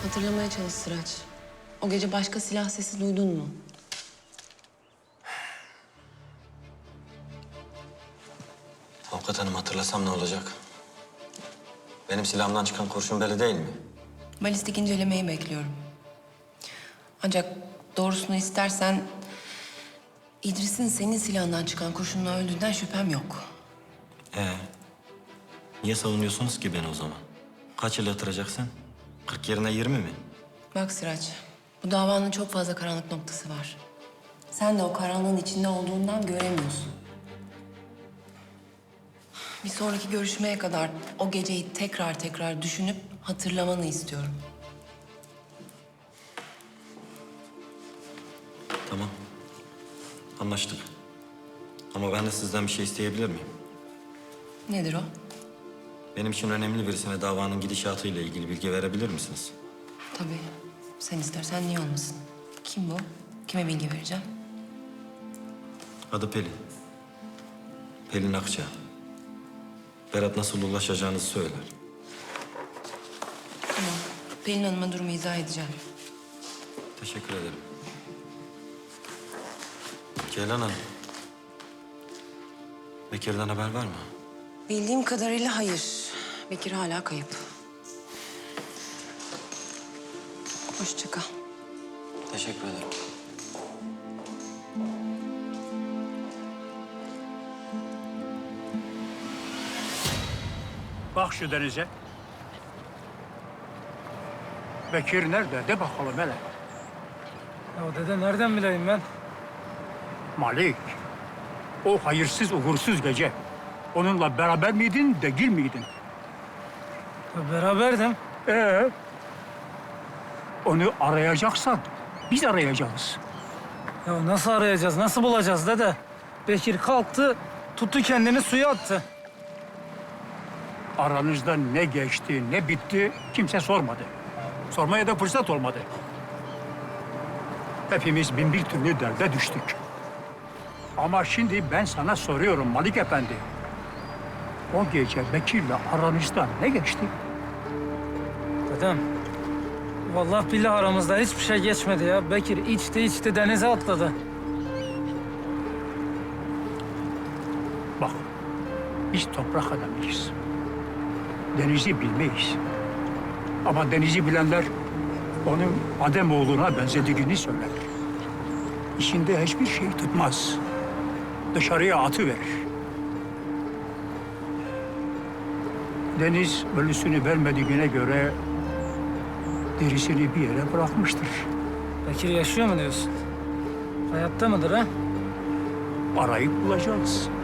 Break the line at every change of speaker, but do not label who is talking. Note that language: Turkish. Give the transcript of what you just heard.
Hatırlamaya çalış Sıraç. O gece başka silah sesi duydun mu?
Avukat hanım, hatırlasam ne olacak? Benim silahımdan çıkan kurşun belli değil mi?
Balistik incelemeyi bekliyorum. Ancak doğrusunu istersen... İdris'in senin silahından çıkan kurşunla öldüğünden şüphem yok.
Niye savunuyorsunuz ki beni o zaman? Kaç yıl yatıracaksın? 40 yerine 20 mi?
Bak Sıraç, bu davanın çok fazla karanlık noktası var. Sen de o karanlığın içinde olduğundan göremiyorsun. Bir sonraki görüşmeye kadar o geceyi tekrar tekrar düşünüp hatırlamanı istiyorum.
Tamam. Anlaştık. Ama ben de sizden bir şey isteyebilir miyim?
Nedir o?
Benim için önemli birisine davanın gidişatıyla ilgili bilgi verebilir misiniz?
Tabii. Sen istersen niye olmasın? Kim bu? Kime bilgi vereceğim?
Adı Pelin. Pelin Akça. Berat nasıl ulaşacağınızı söyler.
Tamam. Pelin Hanım'a durumu izah edeceğim.
Teşekkür ederim. Ceylan Hanım. Bekir'den haber var mı?
Bildiğim kadarıyla hayır. Bekir hala kayıp. Hoşça kal.
Teşekkür ederim.
Bak şu denize. Bekir nerede? De bakalım hele.
Ya dede nereden bileyim ben?
Malik, o hayırsız, uğursuz gece. Onunla beraber miydin, değil miydin?
Ya beraberdim.
Onu arayacaksan biz arayacağız.
Ya nasıl arayacağız, nasıl bulacağız dede? Bekir kalktı, tuttu kendini suya attı.
Aranızda ne geçti, ne bitti kimse sormadı. Sormaya da fırsat olmadı. Hepimiz bin bir türlü derde düştük. Ama şimdi ben sana soruyorum Malik Efendi. O gece Bekir'le aranızda ne geçti?
Dedem, vallahi billahi aramızda hiçbir şey geçmedi ya. Bekir içti denize atladı.
Bak, biz toprak adamıyız. Denizi bilmeyiz. Ama denizi bilenler onun Ademoğlu'na benzediğini söyler. İçinde hiçbir şey tutmaz. Dışarıya atıverir. Deniz ölüsünü vermediğine göre derisini bir yere bırakmıştır.
Bekir yaşıyor mu diyorsun? Hayatta mıdır ha?
Arayıp bulacağız.